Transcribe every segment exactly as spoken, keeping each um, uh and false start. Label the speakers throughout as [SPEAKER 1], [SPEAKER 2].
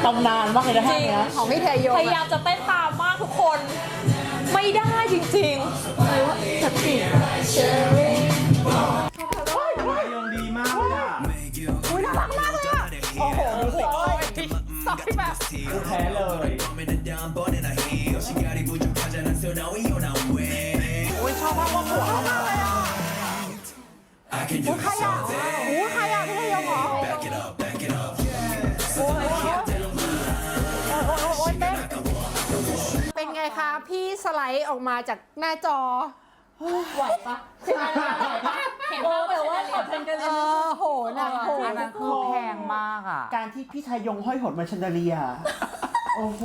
[SPEAKER 1] ตำนานมากเลยนะท่านี้
[SPEAKER 2] ของพี่เทยง
[SPEAKER 3] พยายามจะเต้นตามมากทุกคนไม่ได้จริงๆเลยว่าจะติดเชอรี่
[SPEAKER 4] ยงดีมากเลยอ่ะ
[SPEAKER 2] อุ้ยน่ารักมากเลยอ่ะโอ้โหดูสิสอยแบบ
[SPEAKER 4] กูแพ้เลย
[SPEAKER 2] อุ้ยชอบมากว่าหัวมากเลยอ่ะอุ้ยใครอ่ะอุ้ยใครอ่ะพี่เทยงเหรอโอ้ยโอ้ยเต้นเป็นไงคะพี่สไลด์ออกมาจากหน้าจอ
[SPEAKER 3] ไหวปะเห็นแต่ว่าขอเพลงกันเลย
[SPEAKER 2] เออโหนะโห
[SPEAKER 1] อันนั้นคือแพงมากอ่ะการที่พี่ชายงห้อยหดมาชันเดเลียโอ้โห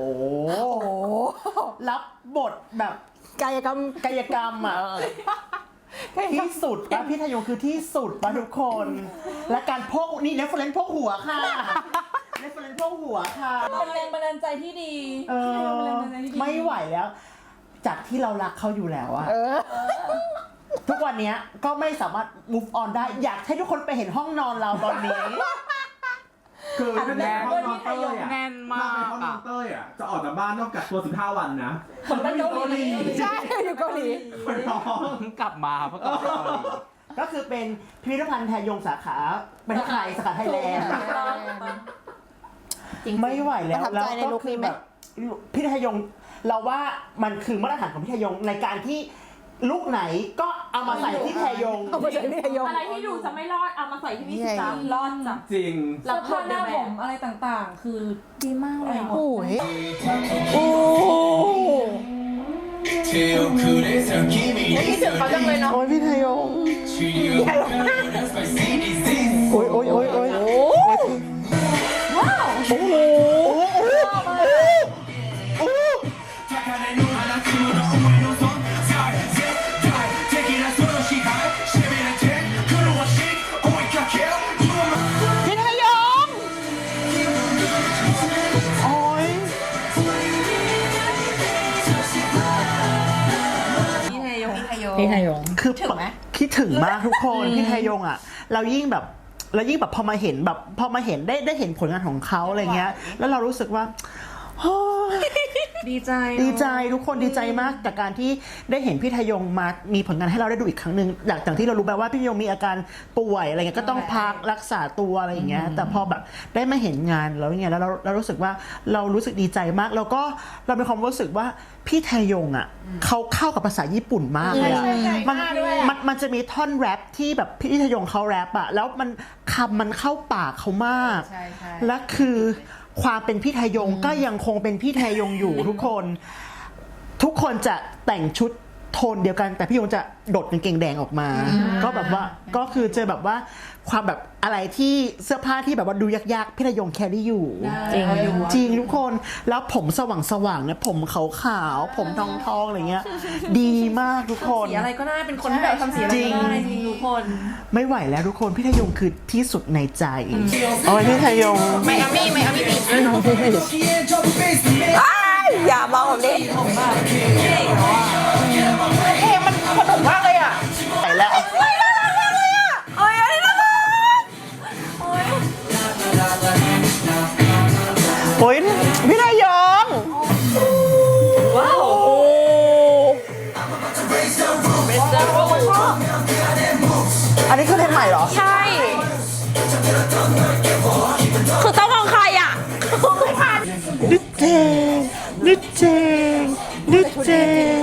[SPEAKER 1] รับบทแบบ
[SPEAKER 2] กายกรรม
[SPEAKER 1] กายกรรมอ่ะที่สุดปะพี่ชายงคือที่สุดปะทุกคนและการพกนี่เรฟเฟรนซ์พกหัวค่ะเรฟเฟรนซ์พกหัวค่ะ
[SPEAKER 3] เป็นแรงบันดาลใจที่ดี
[SPEAKER 1] เออไม่ไหวแล้วจากที่เรารักเขาอยู่แล้วอะทุกวันนี้ก็ไม่สามารถ move on ได้อยากให้ทุกคนไปเห็นห้องนอนเราตอนนี้
[SPEAKER 4] คือถ้าเป็นห้องนอนเต้ยอะ
[SPEAKER 1] แน่นมาก
[SPEAKER 4] ถ้าเป็นห้องนอนเต้ยอะจะออกจากบ้านต้องกักตัวสิบห้าวันนะ
[SPEAKER 3] ผมต้องอยู่เกาหลี
[SPEAKER 2] ใช่อยู่เกาหลี
[SPEAKER 4] คนท้อง
[SPEAKER 1] กลับมาเพื่อกลับมาเกาหลีก็คือเป็นพิพิธภัณฑ์ไทยยงสาขาประเทศไทยสาขาไทยแลนด์ไม่ไหวแล้วแล้วก็คือแบบพิพิธภัณฑ์ยงเราว่ามันคือมาตรฐานของพี่ทยงในการที่ลูกไหนก็เอามาใส่ที่ทยง
[SPEAKER 2] เอามาใส่ที่ทยง
[SPEAKER 3] อะไรที่ดูจะไม่รอดเอามาใส่ที่พี่สิจ๊ะรอดจ้ะ
[SPEAKER 4] จริง
[SPEAKER 3] แล้วผ้าหน้าผมอะไรต่างๆคือดีมากเลย
[SPEAKER 2] โอ้ยโอ้
[SPEAKER 3] คิดถึงเขาจังเลยเนาะ
[SPEAKER 1] โอ้ยพี่ทยงโอ้ยโอ้ยโอ้ยโอ้ย
[SPEAKER 3] ว้าว
[SPEAKER 1] โอ้โห
[SPEAKER 3] พี่ไทยง
[SPEAKER 1] คือถึงไหมคิดถึงมากทุกคนพี่ไทยงอ่ะเรายิ่งแบบเรายิ่งแบบพอมาเห็นแบบพอมาเห็นได้ได้เห็นผลงานของเขาอะไรเงี้ยแล้วเรารู้สึกว่า
[SPEAKER 3] ดีใจ
[SPEAKER 1] ดีใจทุกคนดีใจมากกับการที่ได้เห็นพี่ทยงมามีผลงานให้เราได้ดูอีกครั้งหนึ่งหลังจากที่เรารู้แบบว่าพี่ทยงมีอาการป่วยอะไรเงี้ยก็ต้องพักรักษาตัวอะไรอย่างเงี้ยแต่พอแบบได้มาเห็นงานแล้วเนี่ยแล้วเราเรารู้สึกว่าเรารู้สึกดีใจมากแล้วก็เรามีความรู้สึกว่าพี่ทยงอ่ะเขาเข้ากับภาษาญี่ปุ่นมากเลยมันมันมันจะมีท่อนแรปที่แบบพี่ทยงเขาแรปอ่ะแล้วมันคำมันเข้าปากเขามากและคือความเป็นพี่ทยงก็ยังคงเป็นพี่ทยงอยู่ทุกคนทุกคนจะแต่งชุดโทนเดียวกันแต่พี่ยงจะโดดกางเกงแดงออกมาก็แบบว่าก็คือเจอแบบว่าความแบบอะไรที่เสื้อผ้าที่แบบว่าดูยากๆพี่ทยงแครี่อยู่
[SPEAKER 3] จริง
[SPEAKER 1] จริงทุกคนแล้วผมสว่างๆเนี่ยผมขาวๆผมทองๆอะไรเงี้ยดีมากทุกคน
[SPEAKER 3] สีอะไรก็ได้เป็นคนที่แบบทำสีอะไรก็ได้จริงทุกคน
[SPEAKER 1] ไม่ไหวแล้วทุกคนพี่ทยงคือที่สุดในใจเอาไว้พี่ทยง
[SPEAKER 3] ไมอามี่ไมอามี่บี
[SPEAKER 2] อย่ามาผมดิเฮ้มันสนุกมากเลยอ่ะ
[SPEAKER 1] ไปแล้ว
[SPEAKER 2] ไม่น่ารักมากเลยอ่ะโอ้ยน่ารักโอ้ย
[SPEAKER 1] โอ้ยพี่ทยง
[SPEAKER 3] ว้าว
[SPEAKER 1] อันนี้คือเพลงใหม่เหรอ
[SPEAKER 3] ใช่คือต้องมองใครอ่ะไม่ทัน
[SPEAKER 1] นึกเจงนึกเจงนึกเจง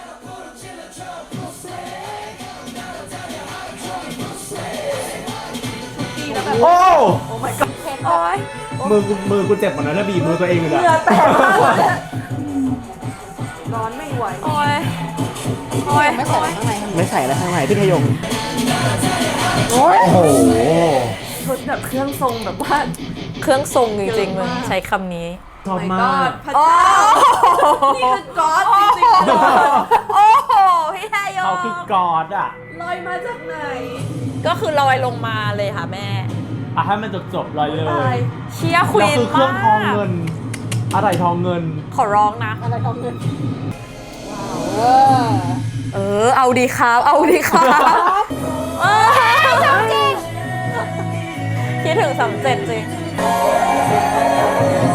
[SPEAKER 1] โอ้
[SPEAKER 3] โอ้ my god โอ้ย
[SPEAKER 4] มือมือกูเจ็บหมดแล้วนะบีบมือตัวเองเลยอะ
[SPEAKER 3] เหงื่อแตกมากเลยร้อนไม่ไหวโอ้ยโอ้ย
[SPEAKER 2] ไม่ใส่ข้างใน
[SPEAKER 1] ไม่ใส่แล้วข้างในพี่ทยง
[SPEAKER 4] โอ้โห
[SPEAKER 3] ชุดแบบเครื่องทรงแบบว่าเครื่องทรงจริงๆมันใช้คำนี้
[SPEAKER 4] ชอบมาก
[SPEAKER 3] พระเจ้านี่คือกอดจริงๆโอ้โหพี่ทยง
[SPEAKER 4] เขาคือกอดอ่ะ
[SPEAKER 3] ลอยมาจากไหนก็คือลอยลงมาเลยค่ะแม่
[SPEAKER 4] อ่ะให้มันจบจบลอยเลย
[SPEAKER 3] เชียร์ควีนมาก
[SPEAKER 4] คือเครื่องทองเงินอะไรทองเงิน
[SPEAKER 3] ขอร้องนะ
[SPEAKER 2] อะไรทองเงิน
[SPEAKER 3] ว้าวเออเอาดีครับเอาดีครับเออจริงคิดถึงสามเจ็ดจริง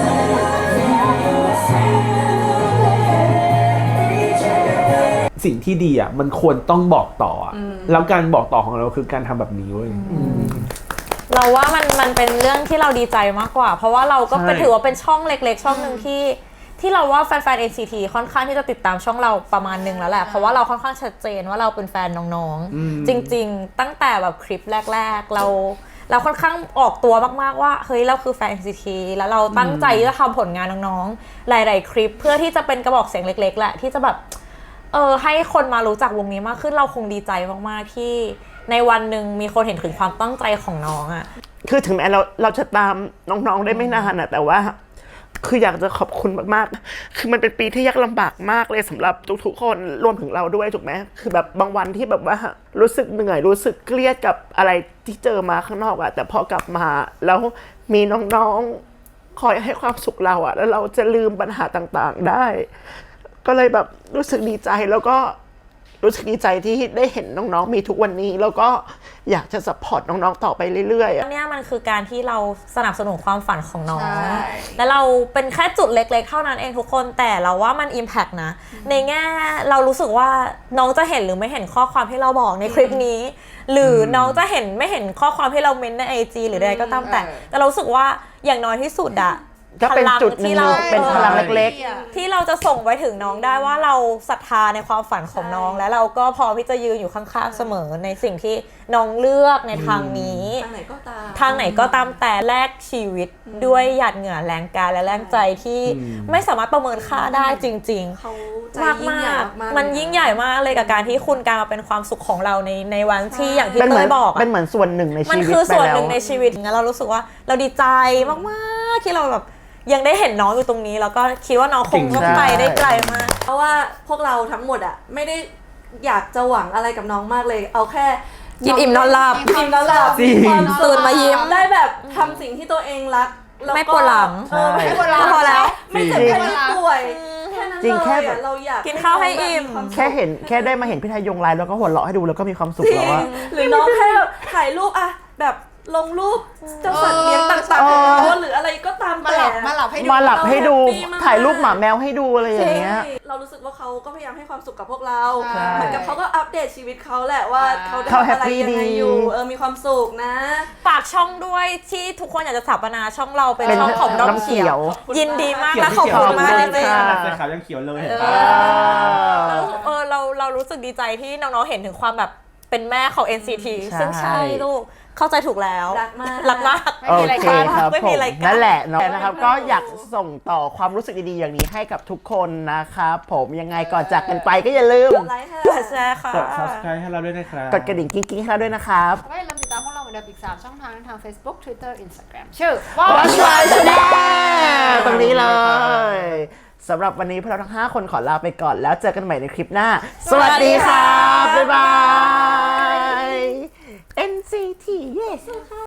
[SPEAKER 4] สิ่งที่ดีอ่ะมันควรต้องบอกต่ออ่ะแล้วการบอกต่อของเราคือการทำแบบนี้เว้ย
[SPEAKER 3] เราว่ามันมันเป็นเรื่องที่เราดีใจมากกว่า เพราะว่าเราก็เป็น
[SPEAKER 4] ใช่
[SPEAKER 3] ถือว่าเป็นช่องเล็กๆ ช่องหนึ่งที่ที่เราว่าแฟนๆ เอ็น ซี ที ค่อนข้างที่จะติดตามช่องเราประมาณหนึงแล้วแหละเพราะว่าเราค่อนข้างชัดเจนว่าเราเป็นแฟนน้องๆ จริงๆ ตั้งแต่แบบคลิปแรกๆ เราเราค่อนข้างออกตัวมากๆว่าเฮ้ยเราคือแฟน เอ็น ซี ที แล้วเราตั้งใจที่จะทำผลงานน้องๆหลายๆคลิปเพื่อที่จะเป็นกระบอกเสียงเล็กๆแหละที่จะแบบเออให้คนมารู้จักวงนี้มากขึ้นเราคงดีใจมากๆที่ในวันหนึ่งมีคนเห็นถึงความตั้งใจของน้องอะ
[SPEAKER 1] คือถึงแม้เราเราจะตามน้องๆได้ไม่นานอะแต่ว่าคืออยากจะขอบคุณมากๆคือมันเป็นปีที่ยากลำบากมากเลยสำหรับทุกๆคนรวมถึงเราด้วยถูกไหมคือแบบบางวันที่แบบว่ารู้สึกเหนื่อยรู้สึกเครียดกับอะไรที่เจอมาข้างนอกอะแต่พอกลับมาแล้วมีน้องๆคอยให้ความสุขเราอะแล้วเราจะลืมปัญหาต่างๆได้ก็เลยแบบรู้สึกดีใจแล้วก็รู้สึกดีใจที่ได้เห็นน้องๆมีทุกวันนี้แล้วก็อยากจะซัพพอร์ตน้องๆต่อไปเรื่อยๆ
[SPEAKER 3] อันนี้มันคือการที่เราสนับสนุนความฝันของน้อง และเราเป็นแค่จุดเล็กๆเท่านั้นเองทุกคน แต่เราว่ามัน impact นะ ในแง่เรารู้สึกว่าน้องจะเห็นหรือไม่เห็นข้อความที่เราบอกในคลิปนี้ หรือน้องจะเห็นไม่เห็นข้อความที่เราเมนใน ไอ จี หรือใดก็ตามแต่ แต่เรารู้สึกว่าอย่างน้อยที่สุดอะ
[SPEAKER 1] ก็เป็นจุดหนึ่งเป็นพลังเล็ก
[SPEAKER 3] ๆที่เราจะส่งไปถึงน้องได้ว่าเราศรัทธาในความฝันของน้อง และเราก็พร้อมที่จะยืนอยู่ข้างๆเสมอในสิ่งที่น้องเลือกในทางนี้
[SPEAKER 2] ทางไหนก็ตาม
[SPEAKER 3] ทางไหนก็ตามแต่แลกชีวิตด้วยหยาดเหงื่อแรงกายและแรงใจที่ไม่สามารถประเมินค่าได้จริง
[SPEAKER 2] เขาใจ
[SPEAKER 3] ๆ มาก
[SPEAKER 2] ยิ่งใหญ่
[SPEAKER 3] มาก
[SPEAKER 2] มากๆ
[SPEAKER 3] มันยิ่งใหญ่มากเลยกับการที่คุณการมาเป็นความสุขของเราในในวันที่อย่าง
[SPEAKER 1] ๆ
[SPEAKER 3] ที่
[SPEAKER 1] เป็นเหมื
[SPEAKER 3] เต้
[SPEAKER 1] อน
[SPEAKER 3] ยบอกอะ
[SPEAKER 1] เป็นเหมือนส่วนหนึ่งใน
[SPEAKER 3] มัน
[SPEAKER 1] ชีวิต
[SPEAKER 3] คือ
[SPEAKER 1] ไป
[SPEAKER 3] ส่วน
[SPEAKER 1] แล้
[SPEAKER 3] ห
[SPEAKER 1] ว
[SPEAKER 3] นึ่งในชีวิตงั้นเรารู้สึกว่าเราดีใจมากๆที่เราแบบยังได้เห็นน้องอยู่ตรงนี้ แล้วก็คิดว่าน้องคงต้องไปได้ไกลมาก
[SPEAKER 2] เพราะว่าพวกเราทั้งหมดอะไม่ได้อยากจะหวังอะไรกับน้องมากเลย เอาแค่
[SPEAKER 3] กินอิ่มนอนหลับ
[SPEAKER 2] กินอิ่มนอนหลับ
[SPEAKER 4] จริง
[SPEAKER 2] ความสุข
[SPEAKER 3] ตื่นมายิ้ม
[SPEAKER 2] ได้แบบทำสิ่งที่ตัวเองรักแก็
[SPEAKER 3] ไม่ปวดหลัง
[SPEAKER 2] เออไม่
[SPEAKER 4] ใช่
[SPEAKER 2] ปวดหลัง
[SPEAKER 3] พอแล้ว
[SPEAKER 2] ไม่เจ็บแค่ไม่ป่วยแค่นั้น
[SPEAKER 1] จริงแค่
[SPEAKER 2] เลย
[SPEAKER 1] แบ
[SPEAKER 2] อะ
[SPEAKER 1] บ
[SPEAKER 2] เราอยาก
[SPEAKER 3] กินข้าวให้อิ่ม
[SPEAKER 2] น้งบบควาสุข
[SPEAKER 1] แค่เห็นแค่ได้มาเห็นพี่ทยงไลฟ์แล้วก็หัวเราะให้ดูแล้วก็มีความสุขแล้วอะ
[SPEAKER 2] หรือน้องแค่แบบถ่ายรูปอะแบบลงรูปเจ้าสัตว์เลี้ยงต่าง
[SPEAKER 1] เออ
[SPEAKER 2] ๆของเขาหรืออะไรก็ตาม
[SPEAKER 5] มา
[SPEAKER 2] แต่
[SPEAKER 5] หลับมาหลับให้ดู
[SPEAKER 1] มาหลับให้ดู
[SPEAKER 2] เราแฮปปี้มาก
[SPEAKER 1] ถ่ายรูปหมาแมวให้ดูอะไรอย่างเงี้ย
[SPEAKER 2] ใช่เรารู้สึกว่าเขาก็พยายามให้ความสุขกับพวกเรา
[SPEAKER 5] ใช่
[SPEAKER 2] เหมือนกับเขาก็อัปเดตชีวิตเขาแหละว่าเขาได้
[SPEAKER 1] เขา
[SPEAKER 2] ทำอะไร
[SPEAKER 1] happy
[SPEAKER 2] ยังไง
[SPEAKER 1] ดี
[SPEAKER 2] อยู่เออมีความสุขนะ
[SPEAKER 3] ฝากช่องด้วยที่ทุกคนอยากจะสถาปนาช่องเราเป็น
[SPEAKER 1] เป็น
[SPEAKER 3] ช่องของน้อง
[SPEAKER 1] น้ำเขี
[SPEAKER 3] เขี
[SPEAKER 1] ย
[SPEAKER 3] ยว ว ยินดีมากและขอบคุณมาก
[SPEAKER 1] ขอบ
[SPEAKER 3] จ
[SPEAKER 1] คุณ
[SPEAKER 3] ริง
[SPEAKER 1] ค่ะ
[SPEAKER 3] ๆ
[SPEAKER 4] ใส่ขาวยังเขียวเลยเห็นปะ
[SPEAKER 3] แล้วเออเราเรารู้สึกดีใจที่น้องๆเห็นถึงความแบบเป็นแม่ของ เอ็น ซี ที
[SPEAKER 1] ใช่
[SPEAKER 3] ซึ่งใช่ลูกเข้าใจถูกแล้ว
[SPEAKER 2] รักมาก
[SPEAKER 3] รักมาก
[SPEAKER 5] ไม่
[SPEAKER 1] โอ
[SPEAKER 5] มีอะไร
[SPEAKER 1] เค
[SPEAKER 5] กัน
[SPEAKER 1] ครับ
[SPEAKER 3] ไม่
[SPEAKER 1] ผ
[SPEAKER 3] มี
[SPEAKER 1] ม
[SPEAKER 3] อะไรกัน
[SPEAKER 1] นั่นแหละเนาะนะครับ ก็อยากส่งต่อความรู้สึกดีๆอย่างนี้ให้กับทุกคนนะครับผมยังไงก่อนจากกันไปก็อย่าลืม
[SPEAKER 2] ไลค์ค่ะ
[SPEAKER 3] กดแชร์ค่ะ
[SPEAKER 4] กด subscribe ให้เราด้วยนะครับ
[SPEAKER 1] กดกระดิ่งกิ๊งๆให้เราด้วยนะครับ
[SPEAKER 5] ก็อย่าลืมติดตามพวกเราเหมือนเดิมอีก สาม ช่องทางทาง Facebook Twitter Instagram ชื่อ
[SPEAKER 1] Watch My Channel ตรงนี้เลยสำหรับวันนี้พวกเราทั้งห้าคนขอลาไปก่อนแล้วเจอกันใหม่ในคลิปหน้า สวัสดีครับ บ๊ายบาย เอ็น ซี ที yes